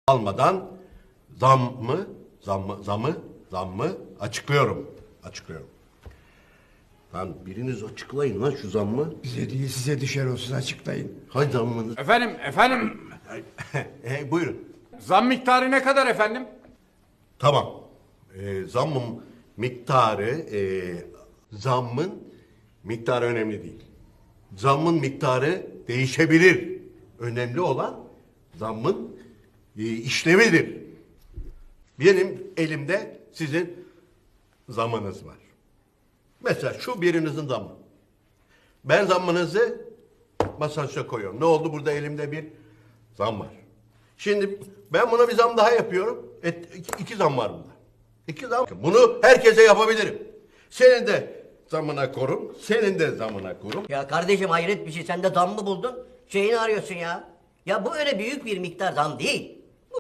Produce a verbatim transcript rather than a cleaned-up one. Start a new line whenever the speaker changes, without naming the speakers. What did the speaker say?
almadan zam mı, zam mı, zamı, zam mı açıklıyorum. Açıklıyorum. Lan biriniz açıklayın lan şu zammı.
Bize değil size düşer olsun, açıklayın.
Hay zammınız.
Efendim, efendim.
e, buyurun.
Zam miktarı ne kadar efendim?
Tamam. E, zammın miktarı, e, zammın miktarı önemli değil. Zammın miktarı değişebilir. Önemli olan zammın e, işlevidir. Benim elimde sizin zammınız var. Mesela şu birinizin zammı. Ben zammınızı masajda koyuyorum. Ne oldu? Burada elimde bir zam var. Şimdi ben buna bir zam daha yapıyorum. Et, iki, iki zam var bunda. İki zam. Bunu herkese yapabilirim. Senin de zamına korum. Senin de zamına korum.
Ya kardeşim hayret bir şey, sen de zam mı buldun? Şeyini arıyorsun ya. Ya bu öyle büyük bir miktar zam değil.